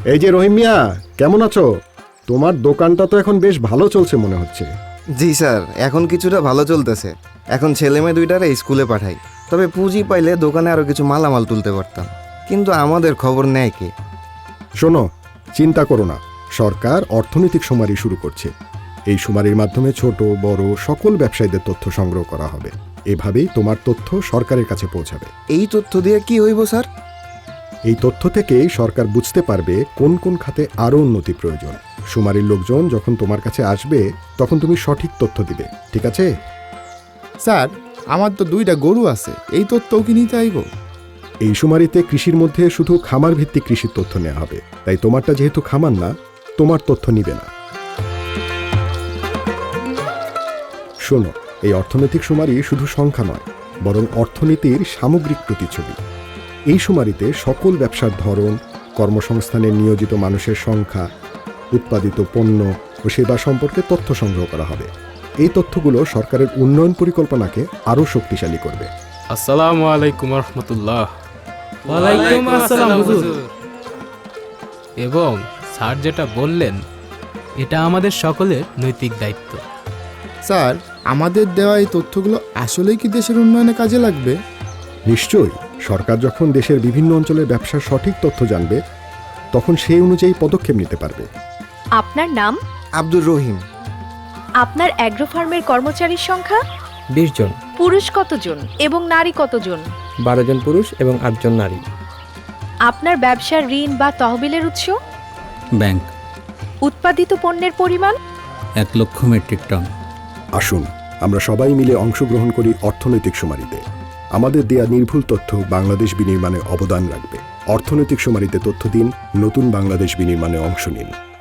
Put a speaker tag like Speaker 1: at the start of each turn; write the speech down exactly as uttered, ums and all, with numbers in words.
Speaker 1: এই যে রহিম মিয়া, কেমন আছো? তোমার দোকানটা তো এখন বেশ ভালো চলছে মনে হচ্ছে।
Speaker 2: জি স্যার, এখন কিছুটা ভালো চলতেছে। এখন ছেলে মেয়ে দুইটারে স্কুলে পাঠাই। তবে পুঁজি পাইলে দোকানে আরো কিছু মালামাল তুলতে পারতাম, কিন্তু আমাদের খবর নেয় কে?
Speaker 1: শোনো, চিন্তা করো না, সরকার অর্থনৈতিক শুমারি শুরু করছে। এই শুমারির মাধ্যমে ছোট বড় সকল ব্যবসায়ীদের তথ্য সংগ্রহ করা হবে। এভাবেই তোমার তথ্য সরকারের কাছে পৌঁছাবে।
Speaker 2: এই তথ্য দিয়ে কি হইব স্যার?
Speaker 1: এই তথ্য থেকেই সরকার বুঝতে পারবে কোন কোন খাতে আরও উন্নতি প্রয়োজন। শুমারির লোকজন যখন তোমার কাছে আসবে তখন তুমি সঠিক তথ্য দিবে, ঠিক আছে?
Speaker 3: স্যার, আমার তো দুইটা গরু আছে, এই তথ্যও কি নিতে আইব?
Speaker 1: এই শুমারিতে কৃষির মধ্যে শুধু খামার ভিত্তিক কৃষির তথ্য নেওয়া হবে, তাই তোমারটা যেহেতু খামার না, তোমার তথ্য নিবে না। শোনো, এই অর্থনৈতিক শুমারি শুধু সংখ্যা নয়, বরং অর্থনীতির সামগ্রিক প্রতিচ্ছবি। এই শুমারিতে সকল ব্যবসার ধরন, কর্মসংস্থানে নিয়োজিত মানুষের সংখ্যা, উৎপাদিত পণ্য ও সেবা সম্পর্কে তথ্য সংগ্রহ করা হবে। এই তথ্যগুলো সরকারের উন্নয়ন পরিকল্পনাকে আরও শক্তিশালী করবে।
Speaker 4: আসসালামু আলাইকুম রহমতুল্লাহ।
Speaker 5: ওয়ালাইকুম আসসালাম হুজুর।
Speaker 4: এবং স্যার যেটা বললেন, এটা আমাদের সকলের নৈতিক দায়িত্ব।
Speaker 3: স্যার, আমাদের দেওয়া এই তথ্যগুলো আসলেই কি দেশের উন্নয়নে কাজে লাগবে?
Speaker 1: নিশ্চয়ই, সরকার যখন দেশের বিভিন্ন অঞ্চলের ব্যবসার সঠিক তথ্য জানবে তখন সেই অনুযায়ী পদক্ষেপ নিতে পারবে।
Speaker 6: আপনার নাম?
Speaker 2: আব্দুর রহিম।
Speaker 6: আপনার অ্যাগ্রো ফার্মের কর্মচারীর সংখ্যা?
Speaker 5: বিশ জন।
Speaker 6: পুরুষ কতজন এবং নারী কতজন?
Speaker 5: বারো জন পুরুষ এবং আটজন নারী।
Speaker 6: আপনার ব্যবসার ঋণ বা তহবিলের উৎস?
Speaker 7: ব্যাংক।
Speaker 6: উৎপাদিত পণ্যের পরিমাণ?
Speaker 7: এক লক্ষ মেট্রিক টন।
Speaker 1: আসুন আমরা সবাই মিলে অংশগ্রহণ করি অর্থনৈতিক শুমারিতে। আমাদের দেয়া নির্ভুল তথ্য বাংলাদেশ বিনির্মাণে অবদান রাখবে। অর্থনৈতিক শুমারিতে তথ্য দিন, নতুন বাংলাদেশ বিনির্মাণে অংশ নিন।